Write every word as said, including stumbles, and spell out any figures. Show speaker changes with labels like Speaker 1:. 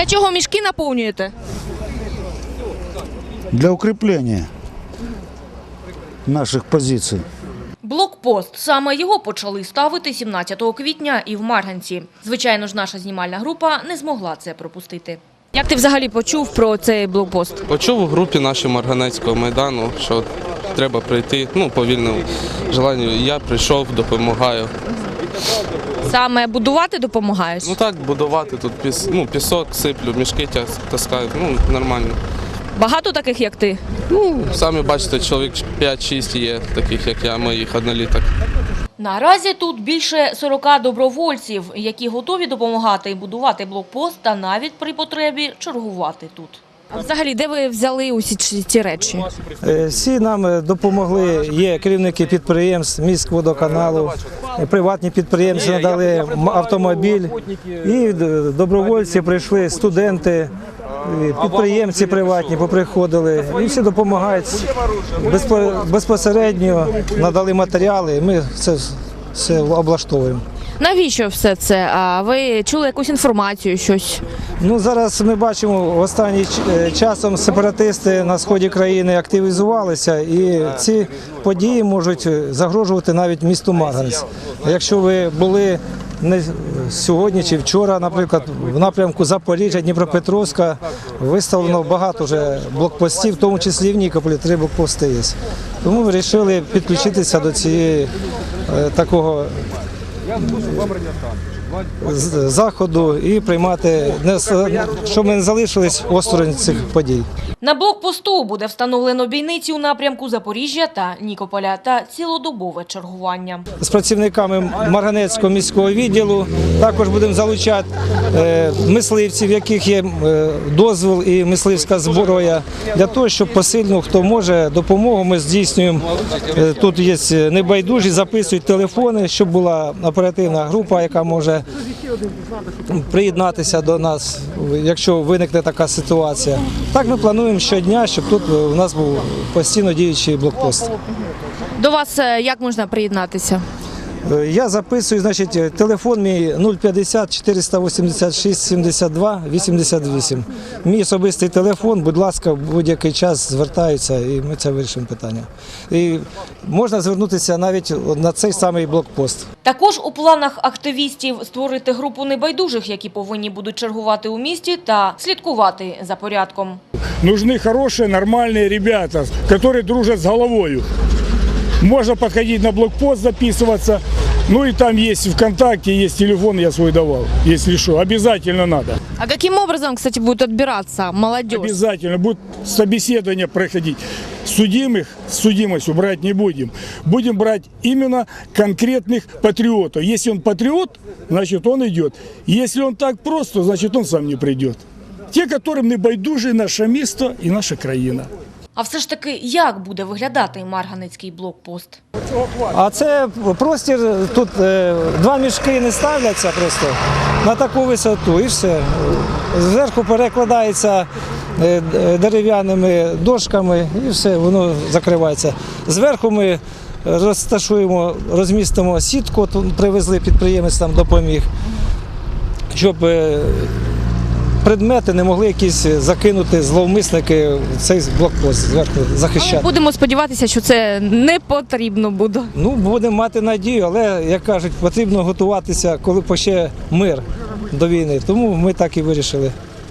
Speaker 1: Для чого мішки наповнюєте?
Speaker 2: Для укрепления наших позиций.
Speaker 1: Блокпост. Саме його почали ставити сімнадцятого квітня і в Марганці. Звичайно ж, наша знімальна група не змогла це пропустити. Як ти взагалі почув про цей блокпост?
Speaker 3: Почув у групі нашій Марганецького майдану, що треба прийти, ну, по вільному желанню. Я прийшов, допомагаю.
Speaker 1: Саме будувати допомагаєш?
Speaker 3: Ну так, будувати тут піс, ну, пісок сиплю, мішки таскаю, ну, нормально.
Speaker 1: Багато таких, як ти?
Speaker 3: Ну, самі бачите, чоловік п'ять-шість є таких, як я, моїх одноліток.
Speaker 1: Наразі тут більше сорока добровольців, які готові допомагати і будувати блокпост та навіть при потребі чергувати тут. А взагалі, де ви взяли усі ці речі?
Speaker 4: Всі нам допомогли, є керівники підприємств, міськводоканалу, приватні підприємці надали автомобіль, і добровольці прийшли, студенти, підприємці приватні поприходили, і всі допомагають, безпосередньо надали матеріали, і ми це все облаштовуємо.
Speaker 1: Навіщо все це? А ви чули якусь інформацію, щось?
Speaker 4: Ну, зараз ми бачимо, останнім часом сепаратисти на сході країни активізувалися, і ці події можуть загрожувати навіть місту Марганець. Якщо ви були не сьогодні чи вчора, наприклад, в напрямку Запоріжжя, Дніпропетровська, виставлено багато вже блокпостів, в тому числі і в Нікополі три блокпости є. Тому ми вирішили підключитися до цієї такого заходу і приймати, щоб ми не залишились осторонь цих подій.
Speaker 1: На блокпосту буде встановлено бійниці у напрямку Запоріжжя та Нікополя та цілодобове чергування.
Speaker 4: З працівниками Марганецького міського відділу також будемо залучати мисливців, в яких є дозвіл і мисливська зброя, для того, щоб посильно, хто може, допомогу ми здійснюємо. Тут є небайдужі, записують телефони, щоб була оперативна група, яка може приєднатися до нас, якщо виникне така ситуація. Так ми плануємо щодня, щоб тут у нас був постійно діючий блокпост.
Speaker 1: До вас як можна приєднатися?
Speaker 4: Я записую, значить, телефон мій нуль п'ятдесят чотириста вісімдесят шість сімдесят два вісімдесят вісім. Мій особистий телефон, будь ласка, в будь-який час звертаються і ми це вирішимо питання. І можна звернутися навіть на цей самий блокпост.
Speaker 1: Також у планах активістів створити групу небайдужих, які повинні будуть чергувати у місті та слідкувати за порядком.
Speaker 5: Нужны хорошие, нормальные ребята, которые дружат с головою. Можно подходить на блокпост, записываться. Ну и там есть ВКонтакте, есть телефон, я свой давал, если что. Обязательно надо.
Speaker 1: А каким образом, кстати, будет отбираться молодежь?
Speaker 5: Обязательно. Будет собеседование проходить. Судимых с судимостью брать не будем. Будем брать именно конкретных патриотов. Если он патриот, значит он идет. Если он так просто, значит он сам не придет. Те, которым не байдуже наше місто і наша країна.
Speaker 1: А все ж таки, як буде виглядати Марганецький блокпост?
Speaker 4: А це простір, тут два мішки не ставляться просто на таку висоту і все. Зверху перекладається дерев'яними дошками і все, воно закривається. Зверху ми розташуємо, розмістимо сітку, тут привезли підприємець, там допоміг, щоб предмети не могли якісь закинути зловмисники в цей блокпост зверху захищати.
Speaker 1: Будемо сподіватися, що це не потрібно буде.
Speaker 4: Ну, будемо мати надію, але, як кажуть, потрібно готуватися, коли ще мир до війни. Тому ми так і вирішили.